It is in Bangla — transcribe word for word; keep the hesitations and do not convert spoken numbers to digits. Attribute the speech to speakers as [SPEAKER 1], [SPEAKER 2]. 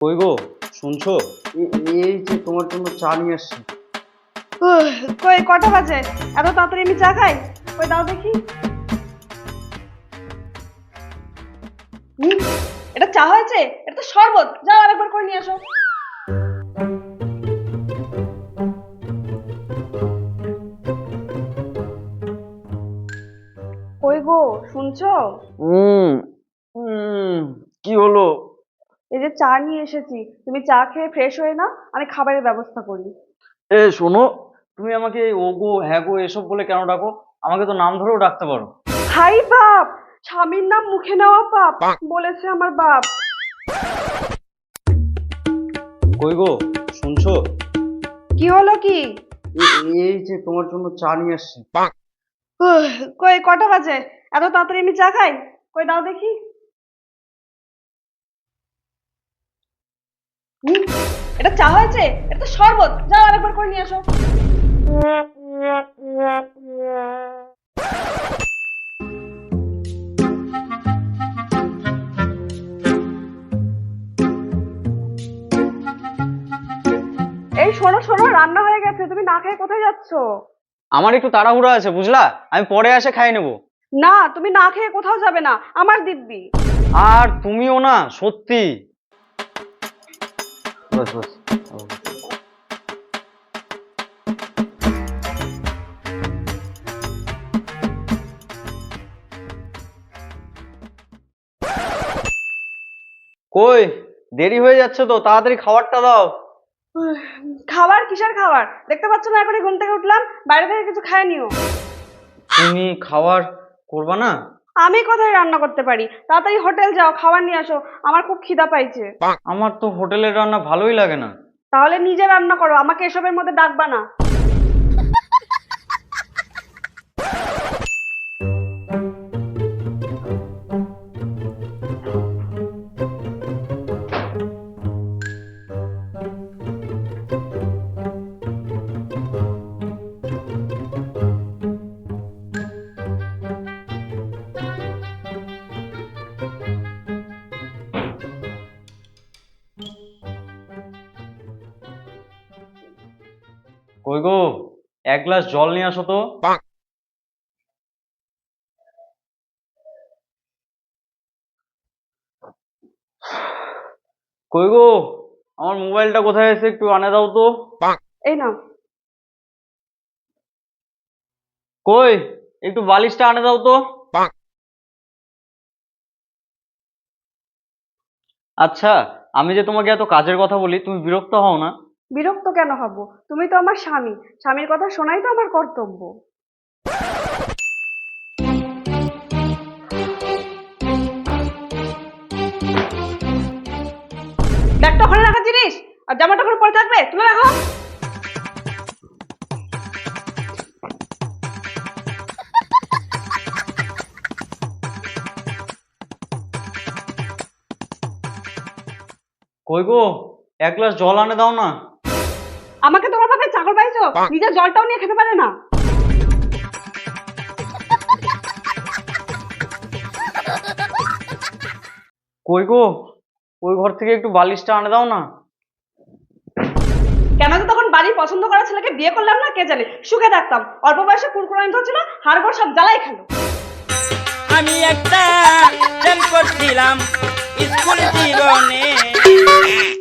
[SPEAKER 1] কই গো, শুনছো?
[SPEAKER 2] এ- এই যে তোমার জন্য চা নিয়ে আসছি।
[SPEAKER 3] উহ, কই কটা বাজে? এত তাড়াতাড়ি আমি চা খাই? কই দাও দেখি। হুম, এটা চা হয়েছে? এটা তো শরবত। যাও আরেকবার করে নিয়ে আসো। কই গো, শুনছো?
[SPEAKER 2] হুম হুম কি হলো?
[SPEAKER 3] এই যে চা নিয়ে এসেছি, তুমি চা খেয়ে ফ্রেশ হয়ে না, আমি খাবারের ব্যবস্থা করি।
[SPEAKER 2] এ শোনো, তুমি আমাকে এই ওগো হ্যাঁ গো এসব বলে কেন ডাকো? আমাকে তো নাম ধরেও ডাকতে পারো।
[SPEAKER 3] হাই বাপ, স্বামীর নাম মুখে নেওয়া পাপ, বলেছে আমার বাপ।
[SPEAKER 1] কই গো, শুনছো?
[SPEAKER 3] কি হলো কি?
[SPEAKER 2] এ- এই যে তোমার জন্য চা নিয়ে আসছি।
[SPEAKER 3] উহ, কই কটা বাজে? এত তাড়াতাড়ি আমি চা খাই? কই দাও দেখি। হুম, এটা চা হয়েছে? এটা তো শরবত। যাও আরেকবার করে নিয়ে আসো। এই শোনো শোনো, রান্না হয়ে গেছে, তুমি না খেয়ে কোথায় যাচ্ছো?
[SPEAKER 1] আমার একটু তাড়াহুড়া আছে, বুঝলা? আমি পরে এসে খাই নেবো।
[SPEAKER 3] না, তুমি না খেয়ে কোথাও যাবে না, আমার দিব্যি।
[SPEAKER 1] আর তুমিও না, সত্যি।
[SPEAKER 2] বাস বাস।
[SPEAKER 1] কই, দেরি হয়ে যাচ্ছে তো, তাড়াতাড়ি খাবারটা দাও।
[SPEAKER 3] উহ, খাবার কিসের খাবার? দেখতে পাচ্ছ না এখনই ঘুম থেকে উঠলাম, বাইরে থেকে কিছু খায় নিও।
[SPEAKER 1] তুমি খাবার করবা না?
[SPEAKER 3] আমি কোথায় রান্না করতে পারি? তাড়াতাড়ি হোটেল যাও, খাবার নিয়ে আসো, আমার খুব খিদা পাইছে।
[SPEAKER 1] আমার তো হোটেলের রান্না ভালোই লাগে না।
[SPEAKER 3] তাহলে নিজে রান্না করো, আমাকে এসবের মধ্যে ডাকবা না।
[SPEAKER 1] কই গো, এক গ্লাস জল নিয়ে আসো তো। কই গো, আমার মোবাইলটা কোথায় আছে, একটু আনে দাও তো।
[SPEAKER 3] এই নাও।
[SPEAKER 1] কই, একটু বালিশটা আনে দাও তো। আচ্ছা, আমি যে তোমাকে এত কাজের কথা বলি, তুমি বিরক্ত হও না?
[SPEAKER 3] বিরক্ত কেন হব? তুমি তো আমার স্বামী, স্বামীর কথা শোনাই তো আমার কর্তব্য। ব্যাগটা ওখানে রাখার জিনিস, আর জামাটা ওখানে পরে থাকবে, তুলে রাখো।
[SPEAKER 1] কই গো, এক গ্লাস জল আনে দাও না।
[SPEAKER 3] আমাকে তোমার বাপে চাকর পাইছো, নিজের জলটাও নিয়ে খেতে পারে না।
[SPEAKER 1] কই গো, ওই ঘর থেকে একটু বালিশটা আনে দাও না।
[SPEAKER 3] কেন যে তখন বাড়ির পছন্দ করা ছেলেকে বিয়ে করলাম না, কে জানে, সুখে থাকতাম। অল্প বয়সে কুরকুরানি ধরছিল, হাড়গোড় সব জ্বালাই খেলো।
[SPEAKER 4] আমি একটা প্রেম করছিলাম স্কুল জীবনে।